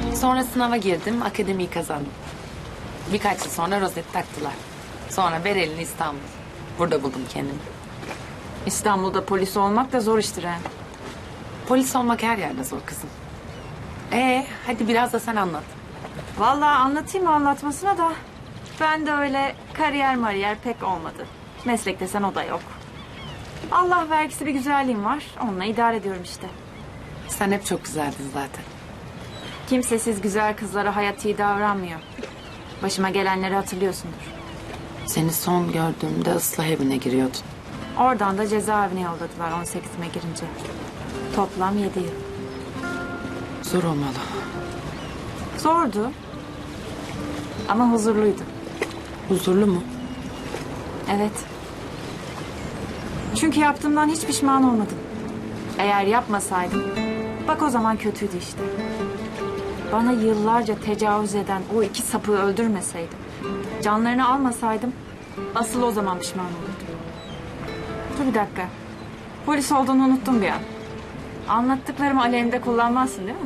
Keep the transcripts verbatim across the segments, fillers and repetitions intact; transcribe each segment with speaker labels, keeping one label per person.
Speaker 1: Sonra sınava girdim, akademiyi kazandım. Birkaç yıl sonra rozet taktılar. Sonra Berelin İstanbul. Burada buldum kendimi.
Speaker 2: İstanbul'da polis olmak da zor iştir ha.
Speaker 1: Polis olmak her yerde zor kızım. Ee, hadi biraz da sen anlat.
Speaker 2: Vallahi anlatayım anlatmasına da. Ben de öyle kariyer mariyer pek olmadı. Meslek desen o da yok. Allah vergisi bir güzelliğim var. Onunla idare ediyorum işte.
Speaker 1: Sen hep çok güzeldin zaten.
Speaker 2: Kimsesiz güzel kızlara hayat iyi davranmıyor. Başıma gelenleri hatırlıyorsundur.
Speaker 1: Seni son gördüğümde ıslah evine giriyordun.
Speaker 2: Oradan da cezaevine yolladılar on sekizime girince. Toplam yedi yıl.
Speaker 1: Zor olmalı.
Speaker 2: Zordu. Ama huzurluydu.
Speaker 1: Huzurlu mu?
Speaker 2: Evet. Çünkü yaptığımdan hiç pişman olmadım. Eğer yapmasaydım, bak o zaman kötüydü işte. Bana yıllarca tecavüz eden o iki sapığı öldürmeseydim, canlarını almasaydım, asıl o zaman pişman olurdum. Dur bir dakika. Polis olduğunu unuttum bir an. Anlattıklarımı aleyhinde kullanmazsın değil mi?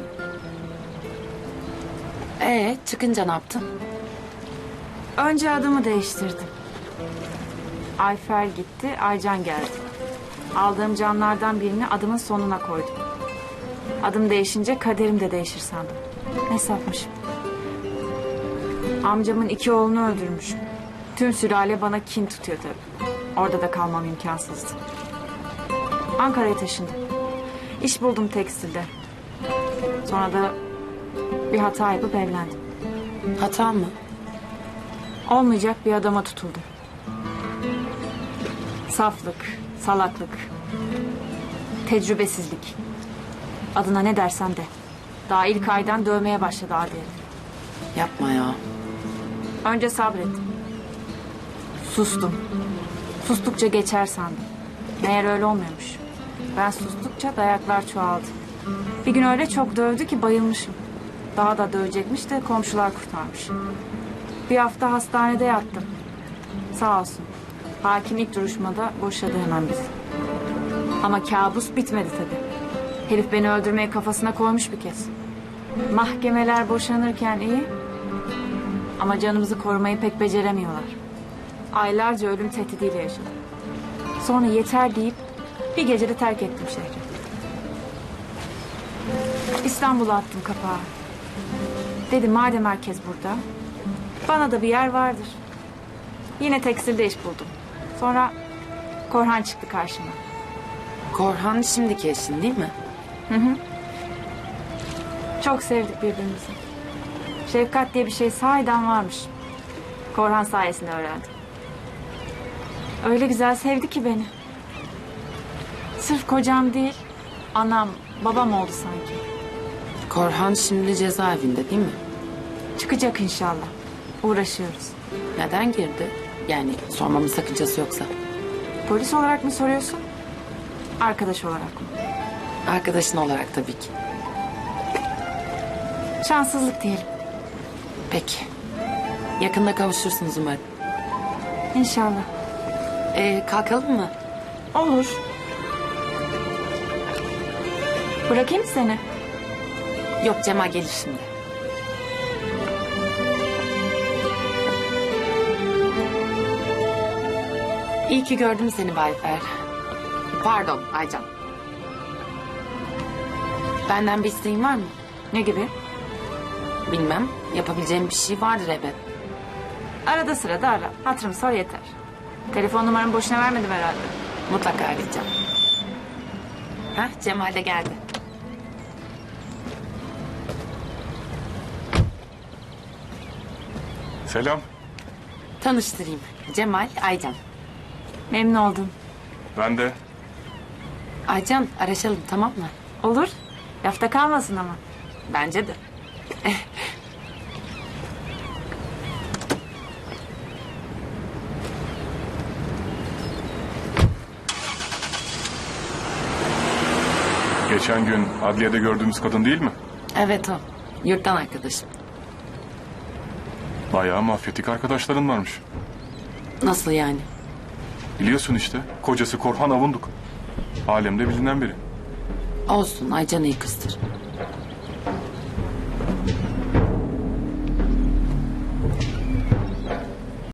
Speaker 1: Ee, çıkınca ne yaptın?
Speaker 2: Önce adımı değiştirdim. Ayfer gitti, Aycan geldi. Aldığım canlardan birini adımın sonuna koydum. Adım değişince kaderim de değişir sandım. Ne sapmışım. Amcamın iki oğlunu öldürmüşüm. Tüm sülale bana kin tutuyor tabii. Orada da kalmam imkansızdı. Ankara'ya taşındım. İş buldum tekstilde. Sonra da bir hata yapıp evlendim.
Speaker 1: Hata mı?
Speaker 2: Olmayacak bir adama tutuldum. Saflık, salaklık, tecrübesizlik. Adına ne dersen de. Daha ilk aydan dövmeye başladı adi herif.
Speaker 1: Yapma ya.
Speaker 2: Önce sabrettim. Sustum. Sustukça geçer sandım. Meğer öyle olmuyormuş. Ben sustukça dayaklar çoğaldı. Bir gün öyle çok dövdü ki bayılmışım. Daha da dövecekmiş de komşular kurtarmış. Bir hafta hastanede yattım. Sağ olsun. Hakim ilk duruşmada boşadı hemen bizi. Ama kabus bitmedi tabii. Herif beni öldürmeye kafasına koymuş bir kez. Mahkemeler boşanırken iyi. Ama canımızı korumayı pek beceremiyorlar. Aylarca ölüm tehdidiyle yaşadım. Sonra yeter deyip bir gecede terk ettim şehri. İstanbul'a attım kapağı. Dedim madem herkes burada, bana da bir yer vardır. Yine tekstilde iş buldum. Sonra Korhan çıktı karşıma.
Speaker 1: Korhan şimdiki eşin değil mi?
Speaker 2: Çok sevdik birbirimizi. Şefkat diye bir şey sahiden varmış. Korhan sayesinde öğrendim. Öyle güzel sevdi ki beni. Sırf kocam değil, anam, babam oldu sanki.
Speaker 1: Korhan şimdi cezaevinde değil mi?
Speaker 2: Çıkacak inşallah. Uğraşıyoruz.
Speaker 1: Neden girdi? Yani sormamın sakıncası yoksa.
Speaker 2: Polis olarak mı soruyorsun? Arkadaş olarak mı?
Speaker 1: Arkadaşın olarak tabii ki.
Speaker 2: Şanssızlık diyelim.
Speaker 1: Peki. Yakında kavuşursunuz umarım.
Speaker 2: İnşallah.
Speaker 1: Ee, kalkalım mı?
Speaker 2: Olur. Bırakayım mı seni?
Speaker 1: Yok, Cemal gelir şimdi. İyi ki gördüm seni Bayfer. Pardon Aycan. Benden bir isteğin var mı?
Speaker 2: Ne gibi?
Speaker 1: Bilmem. Yapabileceğim bir şey vardır elbet.
Speaker 2: Arada sırada ara. Hatırım sor yeter. Telefon numaramı boşuna vermedim herhalde.
Speaker 1: Mutlaka arayacağım. Hah, Cemal de geldi.
Speaker 3: Selam.
Speaker 1: Tanıştırayım. Cemal, Aycan.
Speaker 2: Memnun oldum.
Speaker 3: Ben de.
Speaker 1: Aycan, araşalım tamam mı?
Speaker 2: Olur. Lafta kalmasın ama.
Speaker 1: Bence de.
Speaker 3: Geçen gün adliyede gördüğümüz kadın değil mi?
Speaker 1: Evet o. Yurttan arkadaşım.
Speaker 3: Bayağı mafyatik arkadaşların varmış.
Speaker 1: Nasıl yani?
Speaker 3: Biliyorsun işte. Kocası Korhan Avunduk. Alemde bilinen biri.
Speaker 1: Olsun, Aycan iyi kızdır.